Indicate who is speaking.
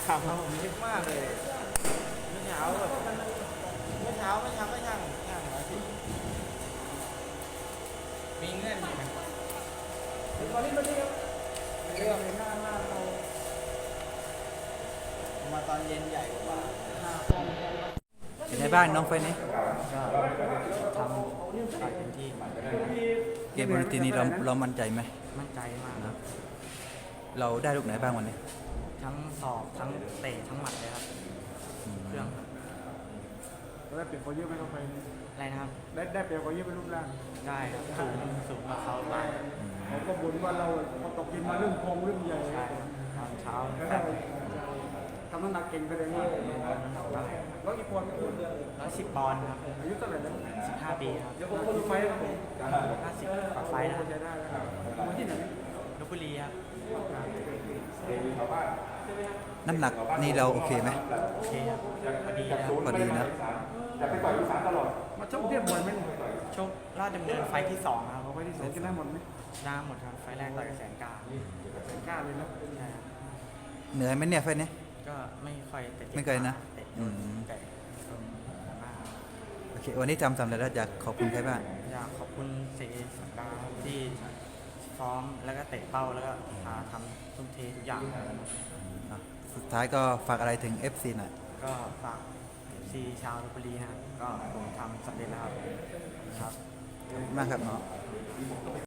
Speaker 1: ครับผมคิดมากเลยเมื่อเช้าแบบเมื่อเช้าก็ช่าง110มีเงื่อนไหมตอนนี้มาดีครับเรื่องหน้าเรามาตอนเย็นใหญ่กว่า
Speaker 2: เป็นไงบ้างน้องไฟนี้
Speaker 1: ก็ทำต่อยเต็มที่
Speaker 2: เกมบนทีนี้เรามั่นใจไหม
Speaker 1: มั่นใจมากครับ
Speaker 2: เราได้ลูกไหนบ้างวันนี้
Speaker 1: ทั้งศอกทั้งเตะทั้งหมัดเลยครับเครื่องครับ
Speaker 3: ได้เปลี่ยนเขาเยอะไหมเขาไป
Speaker 1: อะไรนะครับ
Speaker 3: ได้เปลี่ยนเขาเยอะไปรูปร่าง
Speaker 1: ได้ครับสูงกว่าเขาไป
Speaker 3: เขาก็บ่นว่าเราพอตกกินมาเรื่องพองเรื่องใหญ่
Speaker 1: ใช่ตอนเช้า
Speaker 3: แล้ว
Speaker 1: แบ
Speaker 3: ได้
Speaker 1: บ
Speaker 3: ทำน้ำหนักเก่งไปเลยว่าแล้วอีกคน
Speaker 1: 110 ปอนด์ครับ
Speaker 3: อายุเท่าไหร่แล้ว
Speaker 1: 15 ปีครับ
Speaker 3: กี่ไฟครับผม
Speaker 1: 50กว่าไฟล์นะ
Speaker 3: จะได้แล้วมาที่ไหน
Speaker 1: ลพบุรีครับ
Speaker 2: น้ำหนักนี่เราโอเคไหม
Speaker 1: โอเคครับพอดีแล้ว
Speaker 2: พอดีนะ
Speaker 3: มาชกเทียบบ่อยไหม
Speaker 1: ชกราชดำเนินไฟล์ที่ 2 ครับ
Speaker 3: เอาไว้ที่สองกินได้หมดไหม
Speaker 1: ชนะหมดครับไฟล์แรกต่อยกับแสนกล้า
Speaker 3: กล้าเลยนะ
Speaker 1: ใช่ครับ
Speaker 2: เหนื่อยไหมเนี่ยไฟนี้
Speaker 1: ก็ไม่ค่อยแต่จ็บ
Speaker 2: ไม่เคยนะ
Speaker 1: เตะ
Speaker 2: อืม
Speaker 1: แต่มาก
Speaker 2: โอเควันนี้ทำสำเร็จแล้วอยากขอบคุณใครบ้าง
Speaker 1: อยากขอบคุณเสกสังดาที่ซ้อมแล้วก็เตะเป้าแล้วก็พาทำทุ่มเททุกอย่าง
Speaker 2: สุดท้ายก็ฝากอะไรถึง FC หน่อย
Speaker 1: ก็ฝากซีชาวลพบุรีนะครับก็ผมทำสำเร็จแล้วครับ
Speaker 2: มากครับเนาะ